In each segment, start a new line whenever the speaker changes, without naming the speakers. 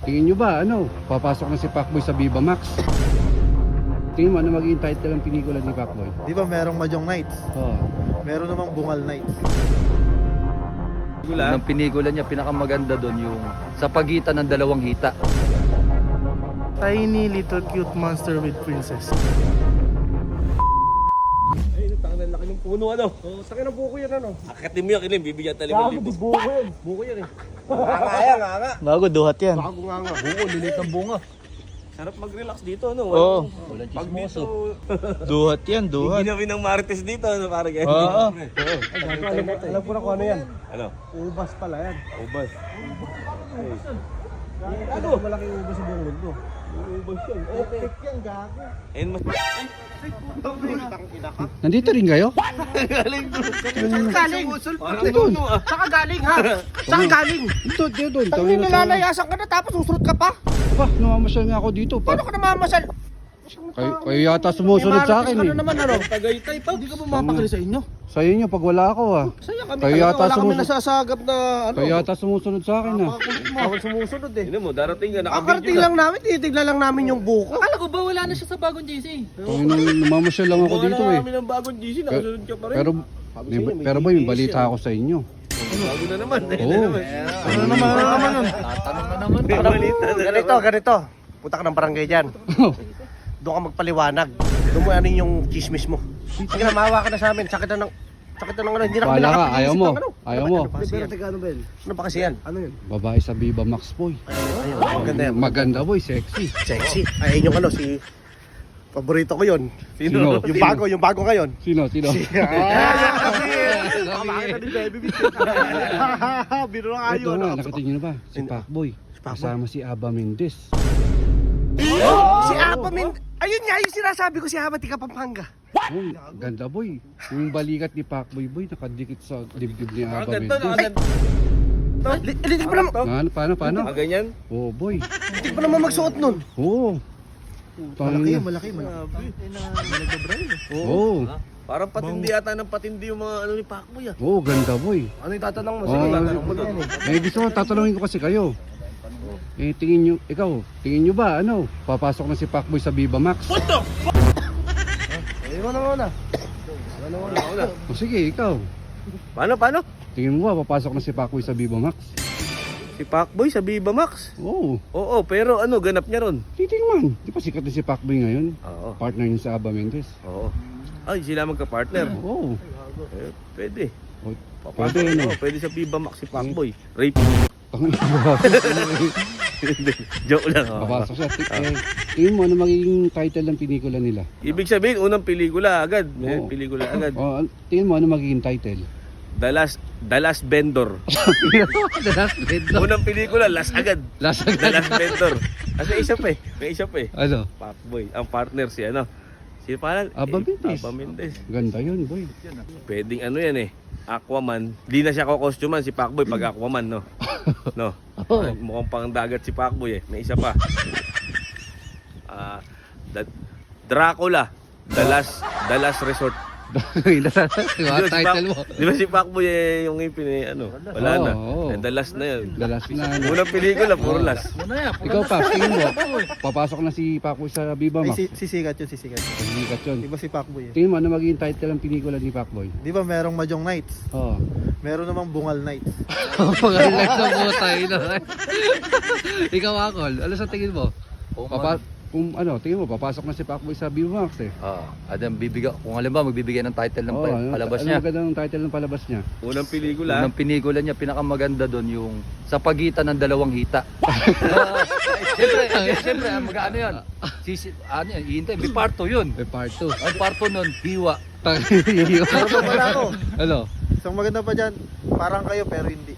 Tingin nyo ba, papasok na si Pacboy sa Viva Max? Tingin mo, ano magiging title ng pelikula ni Pacboy?
Di ba merong Mahjong Nights?
Oo.
Meron namang Bungal Nights.
Ang pinikula niya, pinakamaganda doon yung sa pagitan ng dalawang hita.
Tiny little cute monster with princess.
Ay, tangan na laki ng puno Sakin ng buko yan Akitin mo yan Kilim, bibigyan tayo 5,000.
buko yan.
Buko yan eh. Nga.
Bago, duhat yan.
Bago nga. Buko, lilit ng bunga. Sarap mag-relax dito
Oo.
Pag dito,
Duhat yan, duhat.
ginawin ng Marites dito para ganyan.
Oo.
Alam ko na kung ano yan. Ano?
Ubas pala yan.
Ubas.
Ano? Malaking ubas sa buong mundo.
Ubas yan.
Epic yan, gago.
And mas...
Nandito rin kayo?
Galing.
Doon.
Saka galing ha? Saka galing.
Doon.
Tangin nilalayasan ka na tapos susurot ka pa?
Aba, namamasyal nga ako dito.
Paano ka namamasal?
Kayo yata sumusunod sa akin eh.
Ano naman
Tagaytay pa.
Hindi ka bumapakali sa inyo.
Sa inyo, pag wala ako
Saya kami
Kayo
talaga,
yata
wala kami
sumusunod.
nasasagap na
Kayo yata sumusunod sa akin ah.
Bawal sumusunod eh.
Tignan mo, darating ka,
Kakarating lang namin, tinitignan lang namin yung buko.
Akala ko ba wala na siya sa bagong JC?
Namamasyal lang ako dito eh.
Kami ng bagong GC, nakasunod ka pa rin.
Pero boy, may balita ako sa inyo.
Bago na naman.
Oo.
Ano naman yun?
Tatanong na naman.
May balita na
Ganito. Punta ka ng barangay dyan. Doon ka magpaliwanag. Doon mo ano yung chismis mo. Sige na, maawa ka na sa amin. Sakit na ng hindi na kami
Wala ka,
nakapag-isip
ayaw mo.
ng ano.
Ayaw mo.
Ano pa kasi yan?
Ano ba yun?
Ano pa kasi yan?
Ano yun?
Babae sa Viva Max boy.
Ayun, maganda yan.
Maganda boy, sexy.
Sexy. Ay, yung ano, si... Paborito ko yun.
Sino?
Yung bago ngayon.
Sino?
Pamakita ni Baby Beat. Biro na
Ito
kayo.
nga, nakatingin na ba? Si Pacboy.
Pacboy?
Kasama si Aba Mendez.
Si Apa Min... Ayun nga, yung sinasabi ko si Apa Tika Pampanga.
Oh, ganda boy. Yung balikat ni Pacboy boy, nakadikit sa dibdib ni Aba
Ganda,
Mendez.
Hindi pa naman,
Paano?
ganyan?
Oh boy.
hindi pa naman magsuot nun.
Oo.
Malaki.
Oo.
Parang patindi ata ng patindi yung mga ano ni Pacboy ah.
Oo, ganda boy.
Ano yung tatanong mo?
Oo.
Sige, tatanong mo yan eh.
Gusto ko, tatanungin ko kasi kayo. Tingin nyo ba, papasok na si Pacboy sa Viva Max?
Iwan na muna.
O sige, ikaw.
Paano?
Tingin mo ba, papasok na si Pacboy sa Viva Max?
Si Pacboy sa Viva Max?
Oo.
Oo, pero ano, ganap niya ron?
Titingnan. Di ba sikat na si Pacboy ngayon?
Oo.
Partner niya sa Aba Mendez.
Oo. Ay, sila magka-partner.
Oo.
Pwede.
O,
Papasok,
Pwede, no?
oo, pwede sa Viva Max si Pacboy. Rape. Joke lang. oo.
Papasok siya. Tingin mo, ano magiging title ng pelikula nila?
Ibig sabihin, unang pelikula agad. May
Oo.
pelikula agad.
O, tingin mo, ano magiging title?
The Last Vendor.
The Last Vendor.
Unang pelikula, last agad.
Last
The
agad.
Last Vendor. Kasi may isa pa eh.
Ano?
Pacboy. Ang partner si ano. Si pangalan?
Aba Mendez.
Aba Mendez.
Ganda yun, boy.
Pwedeng ano yan eh. Aquaman. Di na siya kokostuman si Pacboy pag Aquaman, no? No?
Oo.
Mukhang pang dagat si Pacboy eh. May isa pa. Dracula. The Last Resort.
Diba, title mo.
Di ba si Pacboy eh, yung ipin eh, ano? Wala na.
Oo.
And the last na yun.
The Last na.
Unang pelikula, puro last.
Ikaw pa, tingin mo, papasok na si Pacboy sa Viva Max.
Sisikat yun.
Sikat yun.
Di ba si Pacboy?
Tingin mo, ano magiging title ng pelikula ni Pacboy?
Di ba merong Mahjong Nights?
Oo.
Meron namang Bungal Nights.
Pag-alight sa butay na. Ikaw, Akol, ano sa tingin mo? Tingin mo, papasok na si Pacboy sa Viva Max eh.
Kung halimbawa magbibigay ng title ng palabas niya.
Ano maganda ng title ng palabas niya?
Unang pelikula.
Unang pinikula niya, pinakamaganda doon yung sa pagitan ng dalawang hita. Siyempre, mag-ano yan? Ano yan, ihintay, may parto yun.
May part 2.
Ang parto nun, hiwa.
Meron pa pala ako.
Ano?
Isang maganda pa dyan, parang kayo pero hindi.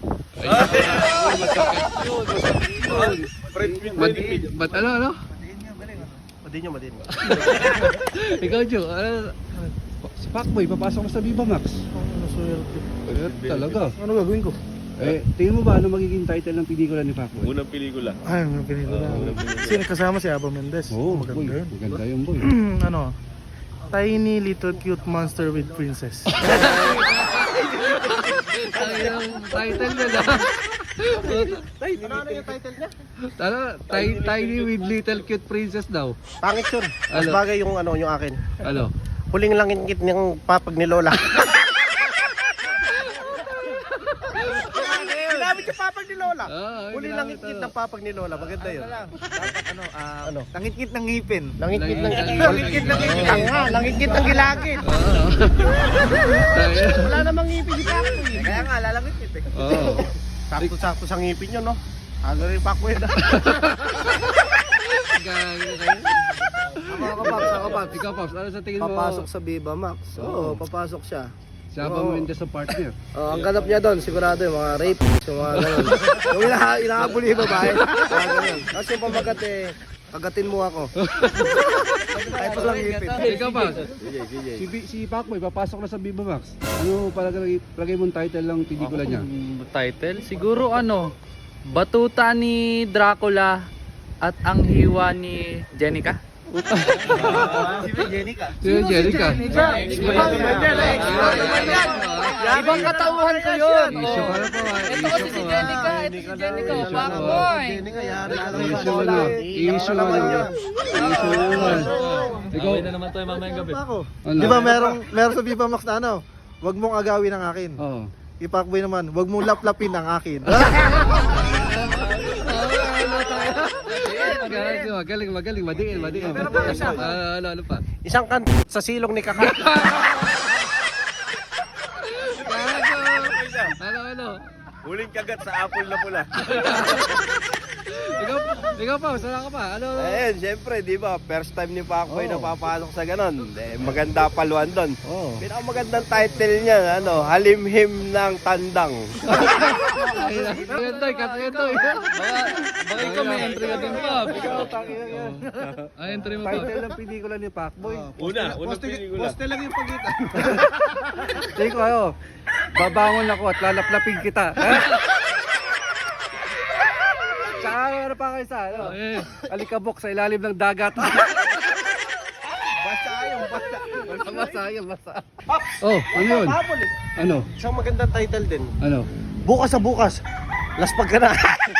Ano?
Madin nyo.
Ikaw, Joe, si Pacboy, papasok na sa Viva Max.
Ano swerte?
Talaga.
Ano gagawin ko?
Tingin mo ba, ano magiging title ng pelikula ni Pacboy?
Unang pelikula.
Ay, ano pelikula. Sino kasama si Aba Mendez?
Oo,
maganda
boy.
yun.
Maganda yun, boy.
Ano? Tiny little cute monster with princess.
Title nila.
Ano yung title niya?
Ano, tiny with little cute princess daw.
Pangit yun. Mas
Ano?
bagay yung ano yung akin.
Ano?
Huling langit ng papag ni Lola. Ginamit yung papag ni Lola. Huling langit ng papag ni Lola. Maganda yun. Ano?
Langit-ngit ng ngipin.
Langit-ngit ng
Langit-ngit ng
ngipin. Tanga, langit-ngit ng gilagid.
Oo.
Wala namang ngipin si Pakboy.
Kaya nga, lalangit-ngit eh.
Oo.
Sakto-sakto sa ngipin yun, no? Ano rin Pakboy na.
Gago kayo.
Ako, Paps.
Ikaw, Pops, ano sa tingin mo?
Papasok sa Viva Max. Oo, papasok siya.
Si Abang Mendez ang partner.
Ang ganap niya doon, sigurado yung mga rape, yung mga ganun. Yung inahabol yung babae, mga ganun. Kasi yung pamagat eh, kagatin mo ako. Kahit pa lang ngipin.
Ikaw, Pops. Si Pacboy, papasok na sa Viva Max. Ano palagay mong title ng pelikula niya?
Title? Siguro ano, Batuta ni Dracula at ang hiwa ni Jenica.
Si Jerica.
Ibang katauhan ko yun.
Issue ka na po.
Ito kasi si Jenica. Ito si Jenica. Backboy.
Issue naman. Ikaw,
na naman tayo mamayang gabi.
Ako.
ano?
Di ba meron sa Viva Max na ano? Huwag mong agawin ang akin.
Oo.
Ipakboy naman, huwag mong laplapin ang akin.
Magaling. Madiin. Ano pa?
Isang kanto sa silong ni Kaka.
Ano?
Huling kagat sa apple na pula.
Ikaw pa, saan ka pa? Ano?
Ayun, syempre, di ba? First time ni Pacboy na papasok sa ganon. Maganda paluan doon.
Oo.
Pinakamagandang title niya, ano, Halimhim ng Tandang.
Ito.
Baka ikaw may entry ka din pa.
Ay, entry mo pa.
Title ng pelikula ni Pacboy.
Unang pelikula.
Poste lang yung pagitan.
Sige ko, ayo. Babangon ako at lalaplapin kita. Saka ano pa kayo sa, ano? Alikabok sa ilalim ng dagat. Basa. Oh, ano yun? Ano?
Isang magandang title din.
Ano?
Bukas sa bukas. Laspag ka na.